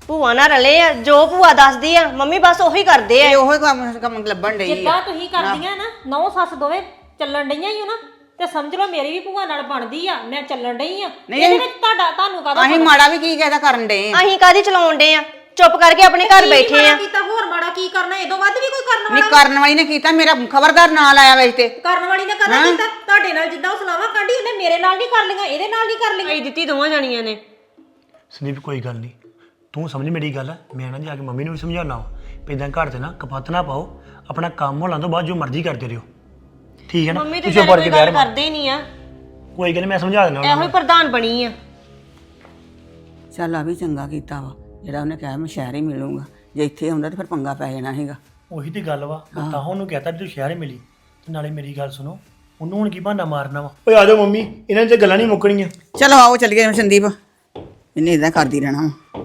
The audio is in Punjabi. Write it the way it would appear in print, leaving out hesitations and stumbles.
ਭੂਆ ਨਾਲ ਰਲੇ ਆ, ਜੋ ਭੂਆ ਦੱਸਦੀ ਆ ਮੰਮੀ ਬਸ ਉਹੀ ਕਰਦੇ ਆ। ਉਹੀ ਕੰਮ ਲੱਭਣ ਡਈ ਜਿੱਦਾਂ ਤੁਸੀਂ ਕਰਦੀਆਂ ਨਾ ਨੌ ਸੱਸ ਦੋਵੇਂ ਚੱਲਣ ਡਈਆਂ ਹੀ ਹੋ ਨਾ ਤੇ ਸਮਝ ਲਓ ਮੇਰੀ ਵੀ ਭੂਆ ਨਾਲ ਬਣਦੀ ਆ, ਮੈਂ ਚੱਲਣ ਡਈ ਆ। ਇਹਦੇ ਵਿੱਚ ਤੁਹਾਨੂੰ ਕਾਹਦਾ ਅਸੀਂ ਮਾੜਾ ਵੀ ਕੀ ਕਹਿਦਾ ਕਰਨ ਡਏ ਆ? ਅਸੀਂ ਕਾਹਦੀ ਚਲਾਉਣ ਡੇ ਆ? ਚੁੱਪ ਕਰਕੇ ਆਪਣੇ ਘਰ ਬੈਠੇ ਆ। ਕੀਤਾ ਹੋਰ ਮਾੜਾ ਕੀ ਕਰਨਾ? ਇਹਦੋਂ ਵੱਧ ਵੀ ਕੋਈ ਕਰਨ ਵਾਲਾ ਨਹੀਂ ਕਰਨ ਵਾਲੀ ਨੇ ਕੀਤਾ, ਮੇਰਾ ਖਬਰਦਾਰ ਨਾਂ ਲਾਇਆ ਵਿੱਚ ਤੇ। ਕਰਨ ਵਾਲੀ ਨੇ ਕਦਾ ਕੀਤਾ? ਤੁਹਾਡੇ ਨਾਲ ਜਿੱਦਾਂ ਉਹ ਸਲਾਵਾਂ ਕਾਂਢੀ ਉਹਨੇ ਮੇਰੇ ਨਾਲ ਨਹੀਂ ਕਰ ਲਈਆਂ, ਇਹਦੇ ਨਾਲ ਨਹੀਂ ਕਰ ਲਈਆਂ। ਭਾਈ ਦਿੱਤੀ ਦੋਵਾਂ ਜਾਣੀਆਂ ਨੇ। ਸੰਦੀਪ ਕੋਈ ਗੱਲ ਨਹੀਂ, ਤੂੰ ਸਮਝ ਮੇਰੀ ਗੱਲ। ਮੈਂ ਨਾ ਜਾ ਕੇ ਮੰਮੀ ਨੂੰ ਵੀ ਸਮਝਾਉਣਾ ਵਾ ਇਦਾਂ ਘਰ 'ਚ ਨਾ ਕਪੱਤ ਨਾ ਪਾਓ, ਆਪਣਾ ਕੰਮ ਹੋਣ ਤੋਂ ਬਾਅਦ ਜੋ ਮਰਜ਼ੀ ਕਰਦੇ ਰਹੋ, ਠੀਕ ਹੈ ਨਾ? ਮੰਮੀ ਤੇ ਕੋਈ ਗੱਲ ਕਰਦੇ ਹੀ ਨਹੀਂ ਆ। ਕੋਈ ਗੱਲ ਮੈਂ ਸਮਝਾ ਦਿੰਦਾ ਇਹੋ ਹੀ ਪ੍ਰਧਾਨ ਬਣੀ ਆ। ਚੱਲ ਆ ਵੀ ਚੰਗਾ ਕੀਤਾ ਵਾ ਜਿਹੜਾ ਉਹਨੇ ਕਿਹਾ ਮੈਂ ਸ਼ਹਿਰ ਹੀ ਮਿਲੂੰਗਾ। ਜੇ ਇੱਥੇ ਹੁੰਦਾ ਤਾਂ ਫਿਰ ਪੰਗਾ ਪੈ ਜਾਣਾ ਸੀਗਾ। ਉਹੀ ਤੇ ਗੱਲ ਵਾ, ਮੈਂ ਤਾਂ ਉਹਨੂੰ ਕਹਤਾ ਵੀ ਤੂੰ ਸ਼ਹਿਰ ਹੀ ਮਿਲੀ। ਤੇ ਨਾਲੇ ਮੇਰੀ ਗੱਲ ਸੁਣੋ, ਉਹਨੂੰ ਹੁਣ ਕੀ ਬਹਾਨਾ ਮਾਰਨਾ ਵਾ? ਓਏ ਆ ਜਾਓ ਮੰਮੀ, ਇਹਨਾਂ 'ਚ ਗੱਲਾਂ ਨਹੀਂ ਮੁੱਕਣੀਆਂ। ਚਲੋ ਆਓ ਚੱਲੀਏ ਸੰਦੀਪ, ਇਹਨੇ ਇਦਾਂ ਕਰਦੀ ਰਹਿਣਾ ਵਾ।